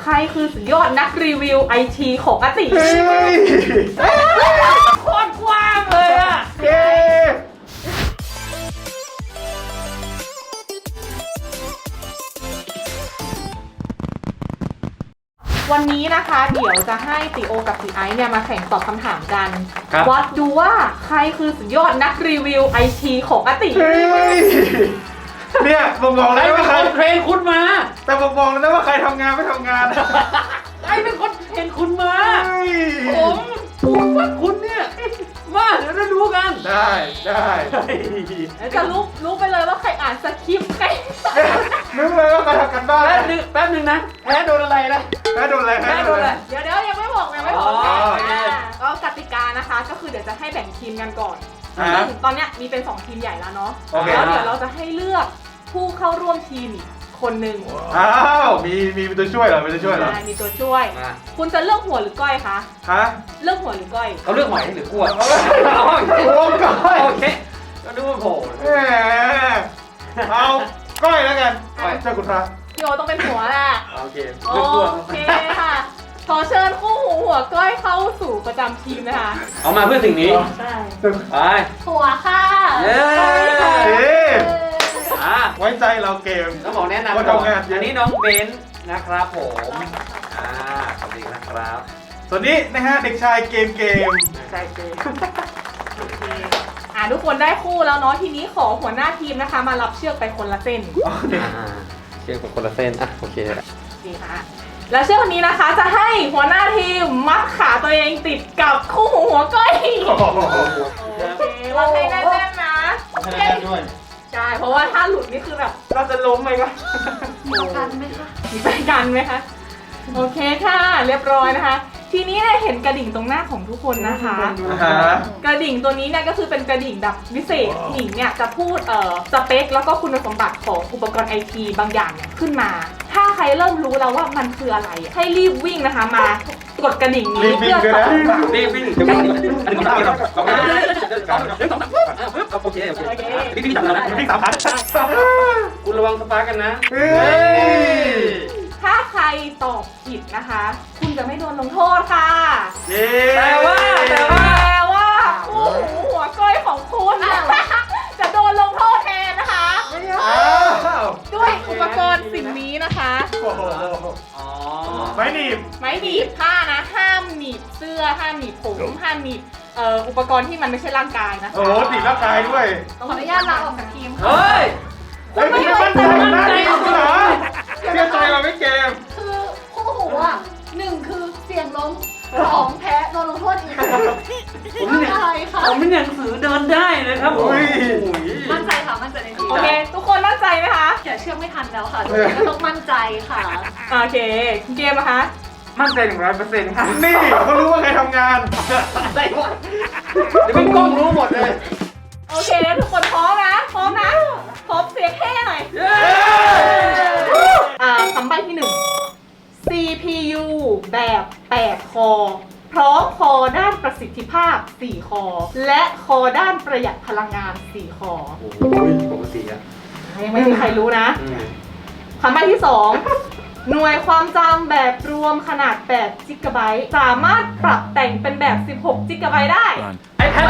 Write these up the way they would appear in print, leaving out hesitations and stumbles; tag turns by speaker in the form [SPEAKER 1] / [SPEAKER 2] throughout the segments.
[SPEAKER 1] รคือสุดยอดนักรีวิวไอทีของอาติโคตรกว้างเลยอะวันนี้นะคะเดี๋ยวจะให้ติโอกับติไอซ์เนี่ยมาแข่งตอบคำถามกันวัดดูว่าใครคือสุดยอดนักรีวิวไอทีของอาติ
[SPEAKER 2] เนี่ยผมบอกแล้วว่าใคร
[SPEAKER 3] เทรนคุณมา
[SPEAKER 2] แต่ผมบอกแล้วว่าใครทำงานไม่ทำงาน
[SPEAKER 3] ไอ้เป็นคนเทรนคุณมาผมพูดว่าคุณเนี่ยมาเดี๋ยวเราดูกัน
[SPEAKER 2] ได้
[SPEAKER 1] จะรู้ไปเลยว่าใครอ่านสคริปต์ใคร
[SPEAKER 2] นึกเลยว่าใครทำกันบ้าน
[SPEAKER 3] แป๊บนึงนะแพ้โดนอะไรนะ
[SPEAKER 2] แพ้โดนอะไร
[SPEAKER 1] เดี๋ยวยังไม่บอกก็กติกานะคะก็คือเดี๋ยวจะให้แบ่งทีมกันก่อนซึ่งตอนนี้มีเป็น2ทีมใหญ่แล้วเนาะแล้วเดี๋ยวเราจะให้เลือกผู้เข้าร่วมทีมอีกคนหนึ่ง
[SPEAKER 2] มีตัวช่วยเหรอมีตัวช่วยเหรอ
[SPEAKER 1] มีตัวช่วยคุณจะเลือกหัวหรือก้อยคะเลือกหัวหรือก้อย
[SPEAKER 3] เขาเลือกหอยหรือกล้วย
[SPEAKER 2] ก้อย
[SPEAKER 3] โอเคก็ดูว่าโผล่
[SPEAKER 2] เอาก้อยแล้วกันเจ้าคุณพระ
[SPEAKER 1] พี่โอต้องเป็นหัวแหละ
[SPEAKER 3] โอเค
[SPEAKER 1] ค่ะขอเชิญคู่หูหัวก้อยเข้าสู่ประจำทีมนะคะ
[SPEAKER 3] เอามาเพื่อสิ่งนี้
[SPEAKER 1] ใช่
[SPEAKER 3] ไป
[SPEAKER 1] หัวค่ะ
[SPEAKER 2] ไว้ใจเราเกม
[SPEAKER 3] ต้องบอกแนะนำก่อนอันนี้น้องเบนซ์นะครับผมสวัสดีนะครับ
[SPEAKER 2] ส่วนนี้นะฮะเด็กชายเกม
[SPEAKER 1] ใช่เกมทุกคนได้คู่แล้วเนาะทีนี้ขอหัวหน้าทีมนะคะมารับเชือกไปคนละเส้น
[SPEAKER 3] เชือกไปคนละเส้นโอเค
[SPEAKER 1] ค่ะแล้วเชือกวันนี้นะคะจะให้หัวหน้าทีมมัดขาตัวเองติดกับคู่หูหัวก้อยโอเคว่าให้แน่นๆนะ
[SPEAKER 2] ด้วย
[SPEAKER 1] ใช่เพราะว่าถ้าหลุดนี่คือแบบเราจะล้มไหมคะมีกันไหมคะโอเคค่ะเรียบร้อยนะคะทีนี้เห็นกระดิ่งตรงหน้าของทุกคนนะคะกระดิ่งตัวนี้เนี่ยก็คือเป็นกระดิ่งแบบพิเศษหนิงเนี่ยจะพูดสเปคแล้วก็คุณสมบัติของอุปกรณ์ไอทีบางอย่างเนี่ยขึ้นมาถ้าใครเริ่มรู้แล้วว่ามันคืออะไรให้รีบวิ่งนะคะมากดกระดิ่งนี้เพื่อ
[SPEAKER 3] รีบวิ่งอันนี้ผมโอเคพี่จับแล้วพี่3,000คุณระวังสปาร์กันนะ
[SPEAKER 1] ถ้าใครตอบผิดนะคะคุณจะไม่โดนลงโทษค่ะ
[SPEAKER 3] แต่
[SPEAKER 1] ว่าคู่หูหัวก้อยของคุณจะโดนลงโทษแทนนะคะด้วยอุปกรณ์สิ่งนี้นะคะ
[SPEAKER 2] ไม้หนีบ
[SPEAKER 1] ผ้านะห้ามหนีบเสื้อห้ามหนีบผมห้ามหนีบอุปกรณ์ที่มันไม่ใช่ร่างกายนะคะ
[SPEAKER 2] หนีบร่างกายด้วย
[SPEAKER 1] ขออนุญาตลาออกจากทีม
[SPEAKER 3] เฮ้ย
[SPEAKER 2] ไม่มั่นใจเหรอเชื่อใจเราไม่เกม
[SPEAKER 4] คือคู่หูอ่ะ1คือเสี่ยงล้ม2แพ้โดนลงโทษอีก
[SPEAKER 3] ผมเป็นหนังสือเดินได้เลยครับ
[SPEAKER 4] มั่นใจค่ะมั่นใจในทีม
[SPEAKER 1] โอเคทุกคนมั่นใจไหมคะ
[SPEAKER 4] อย่าเชื่อไม่ทันแล้วค่ะก็ต้องมั่นใจค่ะ
[SPEAKER 1] โอเคเกมนะคะ
[SPEAKER 2] มั่นใจ 100%ค่ะนี่เขารู้ว่าใครทำงาน
[SPEAKER 3] ได้วะเดี๋ยวเป็นกล้องรู้หมดเลย
[SPEAKER 1] โอเคทุกคนพร้อมขอเสียงแค่หน่อยคำใบ้ที่1 CPU แบบ8คอพร้อมคอด้านประสิทธิภาพ4คอและคอด้านประหยัดพลังงาน4คอ
[SPEAKER 3] โอ้ยปกติอะ
[SPEAKER 1] ยังไม่มีใครรู้นะคำใบ้ที่2หน่วยความจำแบบรวมขนาด8 จิกะไบต์สามารถปรับแต่งเป็นแบบ16 จิกะไบต์ได้
[SPEAKER 3] ไอ้แพท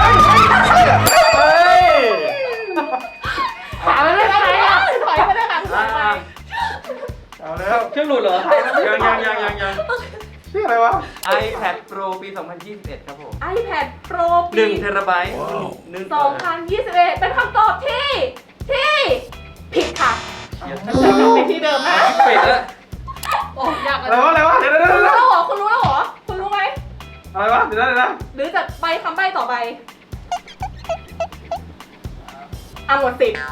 [SPEAKER 1] ถามไม่ได้ไหมถอยไม่ได้ค่ะ
[SPEAKER 2] เอาแล้ว
[SPEAKER 3] เครื่องหลุดเหรอยัง
[SPEAKER 2] ชื่ออะไรวะ
[SPEAKER 3] iPad Pro ปี 2021 ครับผม
[SPEAKER 1] iPad Pro ปี
[SPEAKER 3] 1 เทราไบต์
[SPEAKER 1] 2021เป็นคำตอบที่ผิดค่ะไปที่เดิมนะ
[SPEAKER 3] ปิดแล้ว
[SPEAKER 1] โอ้ยาก
[SPEAKER 2] อะไรวะเดี๋ยว
[SPEAKER 1] คุณรู้แล้วเหรอคุณรู้ไหม
[SPEAKER 2] อะไรวะเดี๋ยวนะ
[SPEAKER 1] หรือจะใบคำใบ้ต่อไปหมดสิทธิ์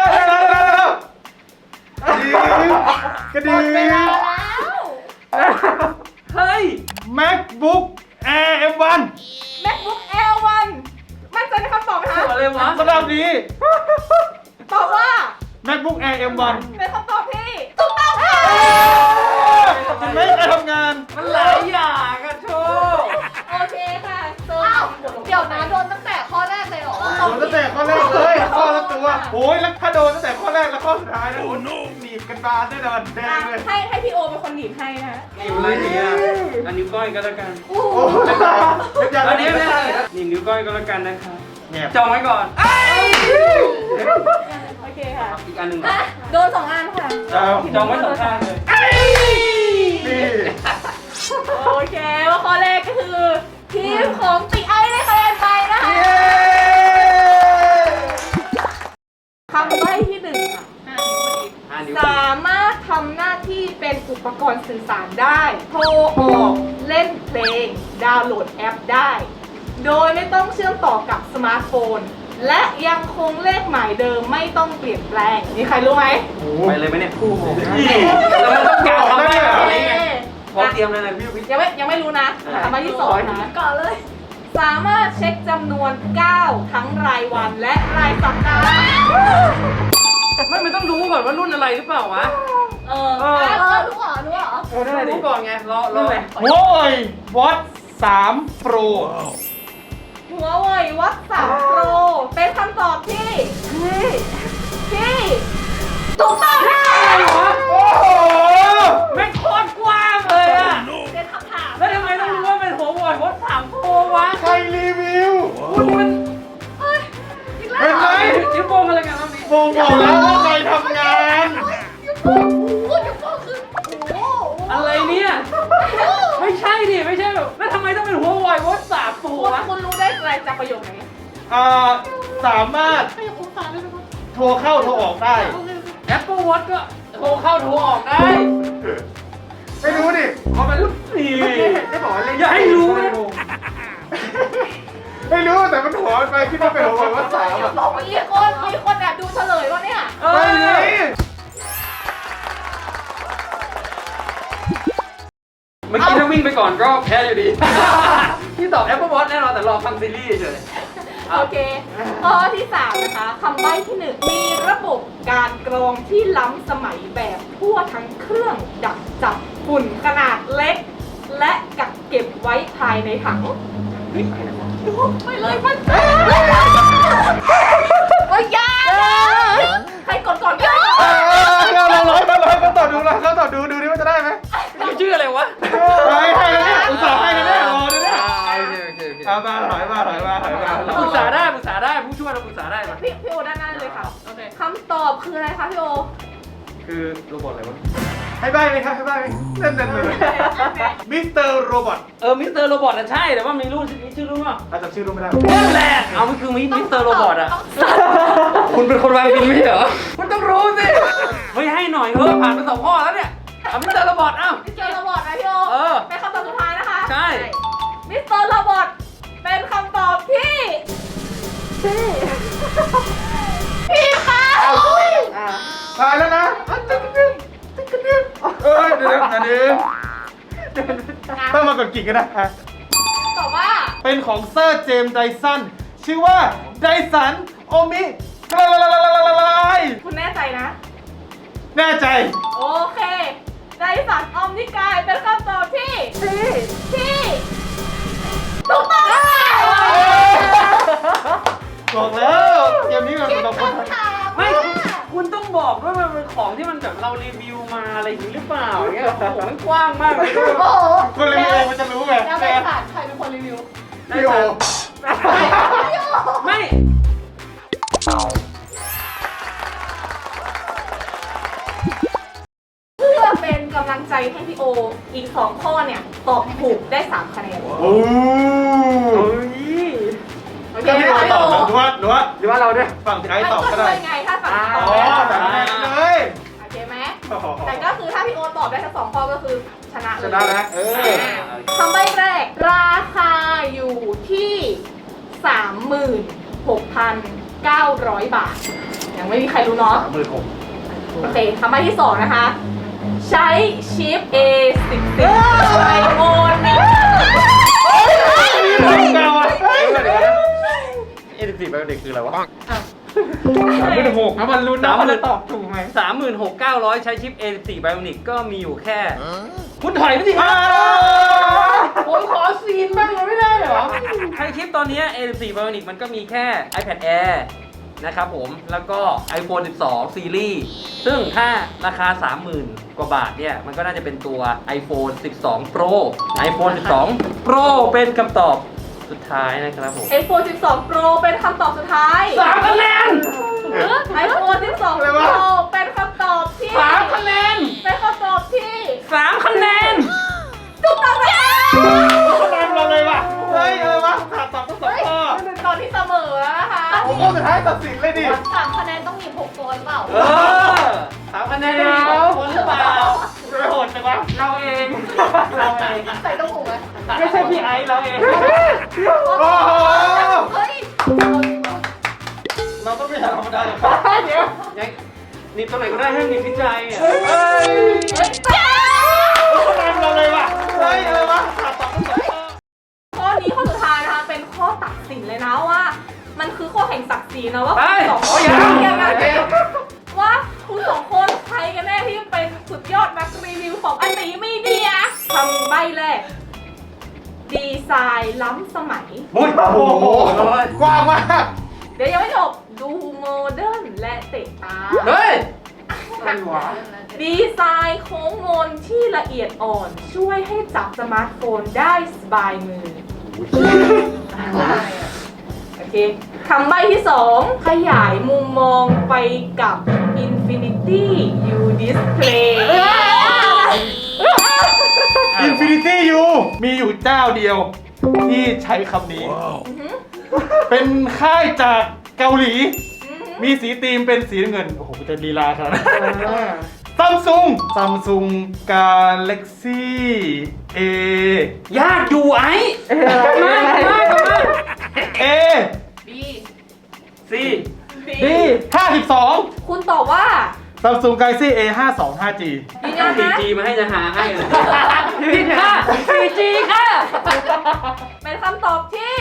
[SPEAKER 2] กระดิ่ง
[SPEAKER 1] เวลาแล้ว
[SPEAKER 3] เฮ้ย
[SPEAKER 2] MacBook Air M1
[SPEAKER 1] MacBook Air 1มั่นใจในคำตอบไหมคะ
[SPEAKER 3] อะไรวะ
[SPEAKER 2] สำหรับนี้
[SPEAKER 1] ตอบว่า
[SPEAKER 2] MacBook Air M1
[SPEAKER 1] เป็นคำตอบที่ถูกต้องค่ะ
[SPEAKER 2] ไม่ได้ทำงาน
[SPEAKER 3] มันหลายอย่างอะโชว์
[SPEAKER 1] โอเคค่ะ
[SPEAKER 4] เดี๋ยวนะโดนตั้งแต่ข้อแรกเลยเหรอ
[SPEAKER 2] โดนตั้งแต่ข้อแรกเลยข้อละตัวโอ้ยแล้วถ้าโดนตั้งแต่ข้อแรกแล้วข้อสุดท้ายนะโอ้หนีบกันบานแน่นอนแดงเลย
[SPEAKER 1] ให้พี่โอเป็นคนหนีบให้นะ
[SPEAKER 3] นิ้วอะไรดีอ่ะอันนิ้วก้อยก็แล้วกัน
[SPEAKER 2] โอ้ยยัง
[SPEAKER 3] อันนี้
[SPEAKER 2] ไม่
[SPEAKER 3] ไม่
[SPEAKER 2] ได้
[SPEAKER 3] ได้นี่นิ้วก้อยก็แล้วกันนะครับ
[SPEAKER 2] แงบ
[SPEAKER 3] จองไว้ก่อน
[SPEAKER 1] โอเคค่ะ
[SPEAKER 3] อีกอันหนึ่งเหรอ
[SPEAKER 1] โดน2 อันค่ะ
[SPEAKER 3] จองไว้สองข้างเลย
[SPEAKER 2] นี่
[SPEAKER 1] โอเคว่าข้อแรกก็คือทีมของติไอได้คะแนนไปนะคะ
[SPEAKER 2] เย้
[SPEAKER 1] คำใบ้ที่ 1 ค่ะ
[SPEAKER 3] 5 นิ้ว
[SPEAKER 1] สามารถทำหน้าที่เป็นอุปกรณ์สื่อสารได้ โทรออกเล่นเพลง ดาวน์โหลดแอปได้ โดยไม่ต้องเชื่อมต่อกับสมาร์ทโฟน และยังคงเลขหมายเดิมไม่ต้องเปลี่ยนแปลงมีใครรู้ไหม
[SPEAKER 3] ไปเลยไหมเนี่ยแล้วมันต้องการทำได้แบบนี้ไงพอเตรียมเลยนะพี่วิทย์
[SPEAKER 1] ยังไม่รู้นะคำใบ้ที่ 2 นะ
[SPEAKER 4] ก่อนเลย
[SPEAKER 1] สามารถเช็คจำนวนก้าวทั้งรายวันและรายสัปดาห์
[SPEAKER 3] ไม่ต้องรู้ก่อนว่ารุ่นอะไรหรือเปล่าวะ
[SPEAKER 4] รู้เหรอ
[SPEAKER 3] รู้ก่อนไงรอ
[SPEAKER 2] โว้ยวอต3 Pro
[SPEAKER 1] หัวเว่ยวัด3 Pro เป็นคำตอบที่ถูกต้องค่ะ
[SPEAKER 3] อะไรวะ
[SPEAKER 2] โอ้โห
[SPEAKER 3] แม่งโคตรกว้างเลยอะ
[SPEAKER 4] เป็นคำถาม
[SPEAKER 3] แล้วทำไมต้องรู้ว่าเป็นหัววอดวัด3 โปรวะ
[SPEAKER 2] ใครรีวิว
[SPEAKER 3] คุณมัน
[SPEAKER 2] เห็นไหม
[SPEAKER 3] จิ้มโปงอะไรกันรอบนี้
[SPEAKER 2] โมบอกแล้วว่าใครทำงาน
[SPEAKER 3] อะไรเนี่ย ไม่ใช่ดิไม่ใช่แบบแล้วทำไมต้องเป็นหัววอดวัด3 โปรวะ
[SPEAKER 1] คุณรู้ได้อะไรจากประโยคไหน
[SPEAKER 2] สามารถโทรเข้าโทรออกได้
[SPEAKER 3] Apple Watch ก็โทรเข้าโทรออกได้
[SPEAKER 2] ไม่รู้ดิ
[SPEAKER 3] เขาเป็นนี่
[SPEAKER 2] ได้บอกว่าเล่น
[SPEAKER 3] อย่าให้รู้นะ
[SPEAKER 2] ไม่รู้แต่มันหัวไปคิดว่าเป็นหัวว่าสามอะ
[SPEAKER 1] บอกมีคนแอบดูเฉลยวะเนี่ย
[SPEAKER 2] ไม่มี
[SPEAKER 3] เมื่อกี้ถ้าวิ่งไปก่อนก็แพ้อยู่ดี ที่ตอบ Apple Watch แน่นอนแต่รอฟังซีรีส์เฉย
[SPEAKER 1] โอเค ข้อที่ 3 นะคะ คำใบ้ที่ 1 มีระบบการกรองที่ล้ำสมัยแบบทั่วทั้งเครื่องดักจับฝุ่นขนาดเล็ก และกักเก็บไว้ภายในถังไปเลยมันโอ้ยยากใครกดก่อนกัน
[SPEAKER 2] เราร้อยก็ต่อดูเราเขาต่อดูดิว่าจะได้ไหม
[SPEAKER 3] ชื่ออะไรวะ
[SPEAKER 2] ให้แล้วเนี่ยอุตส่าห์ให้แล้วเนี่ยรอเลยเนี่ย
[SPEAKER 3] โอเค
[SPEAKER 2] เอามาถอยมา
[SPEAKER 3] ปรึกษาได้ผู้ช่วยเราปรึกษาได้มา
[SPEAKER 1] พี่โอด้านหน้าเลยค่ะโอเคคำตอบคืออะไรคะพี่โอ
[SPEAKER 3] คือโรบอทอะไรวะ
[SPEAKER 2] ให้ใบไหมครับให้ใบไหมเล่นเลยมิสเตอร์โรบอท
[SPEAKER 3] มิสเตอร์โรบอทน่ะใช่แต่ว่ามีรุ่นนี้ชื่อรุ่นว่า
[SPEAKER 2] อาจจะชื่อรู้ไม่ได้
[SPEAKER 3] นั่นแหละเอามันคือมิสเตอร์โรบอทอ่ะคุณเป็นคนวางบินไม่ใช่เหรอคุณต้องรู้สิเฮ้ยให้หน่อยเถอะผ่านไป2 ข้อแล้วเนี่ยเอามิสเตอร์โรบอทเอ้า
[SPEAKER 1] มิสเตอร์โรบอทนะพี่โอ เป็นคำตอบสุดท้ายนะคะ
[SPEAKER 3] ใช่
[SPEAKER 1] มิสเตอร์โรบอทเป็นคำตอบที่พี่ค่ะ
[SPEAKER 2] ตายแล้วนะเดี๋ยวต้องมากดกิ่งกันนะ
[SPEAKER 1] ตอบว่า
[SPEAKER 2] เป็นของเซอร์เจมส์ไดสันชื่อว่าไดสันโอมิล
[SPEAKER 1] คุณแน่ใจนะ
[SPEAKER 2] แน่ใจ
[SPEAKER 1] โอเคไดสันออมนิกายเป็นคำตอบที่ถูกต้องค่ะ
[SPEAKER 2] บอกแล้วเกมนี้มันเป็นคนไทย
[SPEAKER 3] ไม่คุณต้องบอกด้วยมันเป็นของที่มันแบบเรารีวิวมาอะไรอย่างนี้หรือเปล่าอย่างเงี้ยโอ้โหมันกว้างมากเลย
[SPEAKER 4] โอ้โห
[SPEAKER 2] คนรีวิวมันจะรู้ไง
[SPEAKER 4] แล้วไปผ่านใครเป็นคนรีวิว
[SPEAKER 2] พี่โอ
[SPEAKER 3] ไม่
[SPEAKER 1] เพื่อเป็นกำลังใจให้พี่โออีก2 ข้อเนี่ยตอบถูกได้ 3 คะแนน
[SPEAKER 2] โอ้
[SPEAKER 1] โอเค
[SPEAKER 2] พี่
[SPEAKER 1] ไหม
[SPEAKER 2] โอ
[SPEAKER 1] คะ
[SPEAKER 2] ตอบ
[SPEAKER 1] พี่โอ
[SPEAKER 2] หรือว่าเราด้วยฝั่งที่ไอ้
[SPEAKER 1] ไม่
[SPEAKER 2] ตอบ
[SPEAKER 1] ก็
[SPEAKER 2] ก็
[SPEAKER 1] ช่
[SPEAKER 2] ได้
[SPEAKER 1] วยไงถ้าฝั่งตอบ
[SPEAKER 2] อ๋อ
[SPEAKER 1] ได้
[SPEAKER 2] แต่คะแนนเลย
[SPEAKER 1] โอเคไหมแต่ก็คือถ้าพี่โอตอบได้ทั้ง2 ข้อก็คือชนะเลย
[SPEAKER 2] ชนะแล้ว
[SPEAKER 1] คำใบ้แรก ราคาอยู่ที่ 36,900 บาท ยังไม่มีใครรู้เนาะ
[SPEAKER 2] 36,000
[SPEAKER 1] โอเคคำใบ้ที่ 2 นะคะ ใช้ชิป A10 ไอโฟน
[SPEAKER 2] เก่าอ่ะ
[SPEAKER 3] A14 เป็นเด็กคืออะไรวะ
[SPEAKER 2] 36,000ถ้ามันรู้นะมันจะตอบถูกไหม
[SPEAKER 3] 36,900 ใช้ชิป A14 Bionic ก็มีอยู่แค่ คุณถอยไปสิครับ ผมขอซีนบ้างเลยไม่ได้เหรอใช้ชิปตอนนี้ A14 Bionic มันก็มีแค่ iPad Air นะครับผมแล้วก็ iPhone 12 ซีรีส์ซึ่งถ้าราคา 30,000 กว่าบาทเนี่ยมันก็น่าจะเป็นตัว iPhone 12 Pro iPhone 12 Pro เป็นคำตอบสุดท้ายนะครับผม
[SPEAKER 1] iPhone 12 Pro เป็นคำตอบสุดท้าย
[SPEAKER 3] 3 คะแนน
[SPEAKER 1] iPhone 12 Pro เป็นคำตอบที่
[SPEAKER 3] 3 คะแนน
[SPEAKER 1] เป็นคำตอบที่
[SPEAKER 3] 3 คะแนน
[SPEAKER 1] ถูกต้องนะคะ
[SPEAKER 2] คะแนนเราเลยว่ะเฮ้ยอะไรวะขาดตอบทั้งสองข้อ
[SPEAKER 1] ตอนที่เสมอแล้วนะคะ
[SPEAKER 2] โอ้โหสุดท้ายตัดสินเลยดิ
[SPEAKER 4] 3 คะแนนต้องมี6ตัวหรือเปล่า
[SPEAKER 3] เออ3 คะแนนมีคนหรือเปล่า
[SPEAKER 2] จะไปโหดจังวะ
[SPEAKER 3] เราเอง
[SPEAKER 4] ใส่ต้องหูไหม
[SPEAKER 3] ไม่ใช่พี่ไอซ์เราเอง
[SPEAKER 2] โอ้โห
[SPEAKER 4] เฮ้ย
[SPEAKER 2] เราต้องไม่หาธรรมดาหรอก
[SPEAKER 3] เดี๋ยวหนีบตรงไหนก็ได้ให้หนีบที่ใจอ่ะ
[SPEAKER 2] เฮ้ยคะแนนเราเลยว่ะเฮ้ยอะไรวะขาดตอบทั้งสองข้อ
[SPEAKER 1] ข้อนี้ข้อสุดท้ายนะคะเป็นข้อตัดสินเลยนะว่า มันคือข้อแห่งศักดิ์ศรีนะว่าคุณสองคนยังไงว่าคุณสองคนใครกันแน่ที่เป็นสุดยอดนักรีวิวของอันนี้มีเดียคำใบ้แรกดีไซน์ล้ำสมัย
[SPEAKER 2] โอ้โหกว้างมาก
[SPEAKER 1] เดี๋ยวยังไม่จบดูโมเดิร์นและเตะตา
[SPEAKER 3] เฮ้ย
[SPEAKER 2] อะไรวะ
[SPEAKER 1] ดีไซน์โค้งมนที่ละเอียดอ่อนช่วยให้จับสมาร์ทโฟนได้สบายมือ โอเค คำใบ้ที่ 2 ขยายมุมมองไปกับ Infinity U Display
[SPEAKER 2] Infinity U มีอยู่เจ้าเดียว ที่ใช้คำนี้ เป็นค่ายจากเกาหลี มีสีธีมเป็นสีน้ำเงิน โอ้โหจะลีลาขนาดนั้นซัมซุงกาแล็กซี่เอย
[SPEAKER 3] ากอยู่ไอ้มาก
[SPEAKER 2] เอ
[SPEAKER 4] B
[SPEAKER 3] ซี
[SPEAKER 2] ดี52
[SPEAKER 1] คุณตอบว่า
[SPEAKER 2] ซัมซุงกาแล็กซี่ A52 5G
[SPEAKER 1] ยืนยัน
[SPEAKER 3] ซี
[SPEAKER 1] นะ
[SPEAKER 3] จีมาให้จะหาให้เลยผิดค่ะซีจีค่ะ
[SPEAKER 1] เป็นคำตอบที่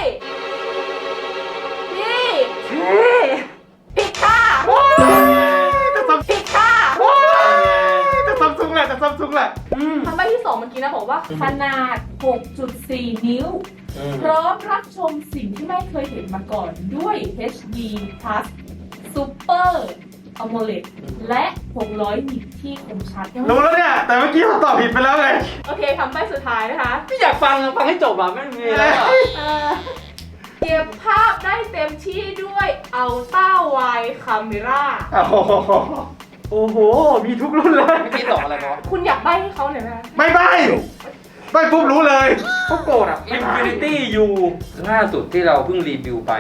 [SPEAKER 1] ผิดค่ะผิดค่ะ
[SPEAKER 2] จะซัมซุงแหละจะซัมซุงแหละ
[SPEAKER 1] คำใบ้ที่ 2 เมื่อกี้นะบอกว่าขนาด 6.4 นิ้ว พร้อมรับชมสิ่งที่ไม่เคยเห็นมาก่อนด้วย HD Plus Super AMOLED และ 600 นิตที่คมชัด
[SPEAKER 2] รู้แล้วเนี่ย แต่เมื่อกี้ผมตอบผิดไปแล้วไง
[SPEAKER 1] โอเคคำใบ้สุดท้ายนะคะ
[SPEAKER 3] ไม่อยากฟังให้จบอ่ะไม่มีแล้วอ่ะ
[SPEAKER 1] เก็บภาพได้เต็มที่ด้วย Ultra Wide Camera
[SPEAKER 2] โอ้โห มีทุกรุ่นเลย
[SPEAKER 3] เมื่อกี้ตอบอะไรวะ
[SPEAKER 1] คุณอยากใบ้ให้เขาหน่อยไหมคะ
[SPEAKER 2] ไม่ใบปุ๊บรู้เลย
[SPEAKER 3] เขาโกรธอ่ะ Infinity U ล่าสุดที่เราเพิ่งรีวิวไป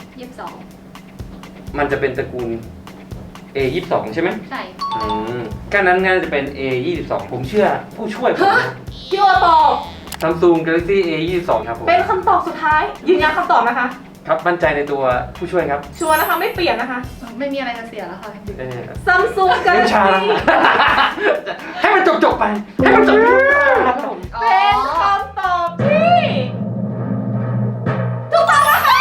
[SPEAKER 4] 22
[SPEAKER 3] มันจะเป็นตระกูล A22 ใช่ไหม
[SPEAKER 4] ใช่
[SPEAKER 3] ก็นั้นน่าจะเป็น A22 ผมเชื่อผู้ช่วยผมนะ
[SPEAKER 1] พี่โอตอบ
[SPEAKER 3] Samsung Galaxy A22 ครับผม
[SPEAKER 1] เป็นคำตอบสุดท้าย ยืนยันคำตอบนะคะ
[SPEAKER 3] ครับมั่นใจในตัวผู้ช่วยครับ
[SPEAKER 1] ชัวร์นะคะไม่เปลี่ยนนะคะ
[SPEAKER 4] ไม่มีอะไรจะเสียแล้วค่ะ
[SPEAKER 1] Samsung
[SPEAKER 3] น้ำชา
[SPEAKER 1] Galaxy
[SPEAKER 3] ให้มันจบไป ให้มันจบครับผม
[SPEAKER 1] เป็นคำตอบที่ถูกต้องนะคะ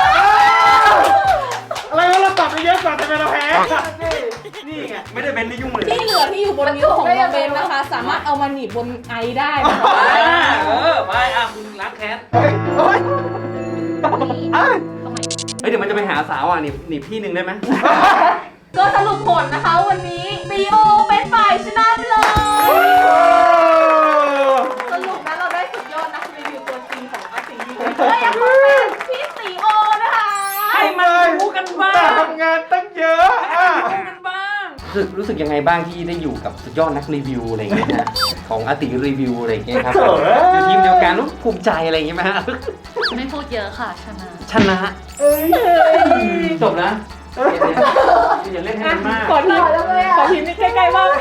[SPEAKER 2] อะไรวะเราตอบไปเยอะกว่าแต่เราแพ้
[SPEAKER 3] นี่ไงไม่ได้เป็นที่ยุ่งเลย
[SPEAKER 1] ที่เหลือที่อยู่บนนิ้วของน้องเบนนะคะ สามารถเอามาหนีบบนไอได้นะคะ
[SPEAKER 3] ไปคุณล้างแค้น
[SPEAKER 2] โอ้ย
[SPEAKER 3] เดี๋ยวมันจะไปหาสาวอ่ะหนีพี่หนึ่งได้ไหม
[SPEAKER 1] ก็สรุปผลนะคะวันนี้ซีโอเป็นฝ่ายชนะไปเลยสรุปนะเราได้สุดยอดนักรีวิวตัวจริงของอาซีรีส์เลยอยากขอเป็นพี่ซีโอนะคะ
[SPEAKER 3] ให้มันรู้กันบ้าง
[SPEAKER 2] ทำงานตั้งเยอะอ่ะ
[SPEAKER 3] รู้สึกยังไงบ้างที่ได้อยู่กับสุดยอดนักรีวิวอะไรอย่างเงี้ยฮะของอาติรีวิวอะไรอย่างเงี้ยครับอยู่ทีมเดียวกันรู้ภูมิใจอะไรอย่างเงี้ยไหมฮะ
[SPEAKER 4] ไม่พูดเยอะค่ะ ชนะ
[SPEAKER 3] จบนะอย่าเล่นให้มันมาก
[SPEAKER 1] ขอทีนี่ใกล้ๆบ้าง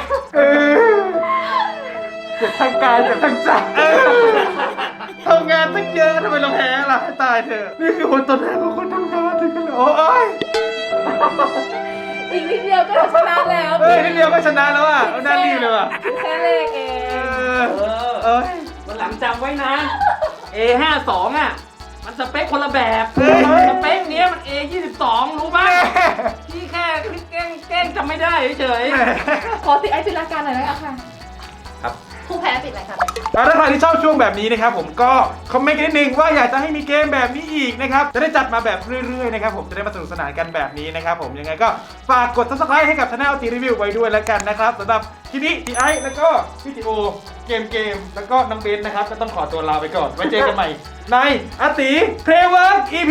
[SPEAKER 2] เจ็บทางกายเจ็บทางใจทำงานตั้งเยอะทำไมเราแพ้ล่ะให้ตายเถอะนี่คือคนตัวแทนของคนทำงานถึงกันเลยโอ้ย
[SPEAKER 1] อีกนิดเดียวก็ชนะแล้ว
[SPEAKER 2] เฮ้ยนิดเดียวก็ชนะแล้วอ่ะเอาหน้ารีบเลยว่ะ
[SPEAKER 1] แค่เลขเอง
[SPEAKER 3] วันหลังจำไว้นะ A52 อ่ะมันสเปคคนละแบบสเปคเนี้ยมัน A22 รู้ป่ะพี่แค่แกล้งจำไม่ได้เฉย
[SPEAKER 1] ขอติดไอจินตนาการหน่อยนะคะ
[SPEAKER 3] ๆครับ
[SPEAKER 4] ผู้แพ้ปิดรายการ
[SPEAKER 2] แล้วถ้าใครที่ชอบช่วงแบบนี้นะครับผมก็คอมเมนต์กันนิดนึงว่าอยากจะให้มีเกมแบบนี้อีกนะครับจะได้จัดมาแบบเรื่อยๆนะครับผมจะได้มาสนุกสนานกันแบบนี้นะครับผมยังไงก็ฝากกด subscribe ให้กับช anel ตีรีวิวไว้ด้วยแล้วกันนะครับสำหรับคลิปนี้พี่ไอซ์แล้วก็พี่ติโอเกมแล้วก็น้องเบนนะครับก็ต้องขอตัวลาไปก่อนไว้เจอกันใหม่ในอาติเพลเวิร์ก EP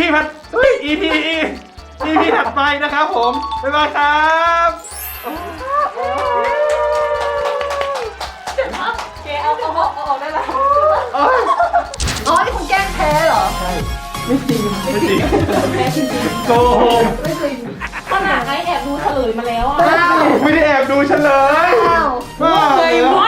[SPEAKER 2] ถัดไปนะครับผมบ๊ายบายครับ
[SPEAKER 1] เกเอาออกได้แล้ว
[SPEAKER 2] โอ๊ย
[SPEAKER 4] อ๋อ นี่คุณแกล้งแพ้เหรอ
[SPEAKER 2] ไม่จริง
[SPEAKER 1] แพ้จริง
[SPEAKER 2] โกหก
[SPEAKER 4] ไม่จริง
[SPEAKER 1] ๆขนาดไอ้แอบดูเฉลยมาแล้วอ่ะ
[SPEAKER 4] อ้าว
[SPEAKER 2] ไม่ได้แอบดูเฉลย
[SPEAKER 4] อ้าว
[SPEAKER 2] บ้า
[SPEAKER 1] เคย
[SPEAKER 2] เหร
[SPEAKER 1] รู้
[SPEAKER 2] อ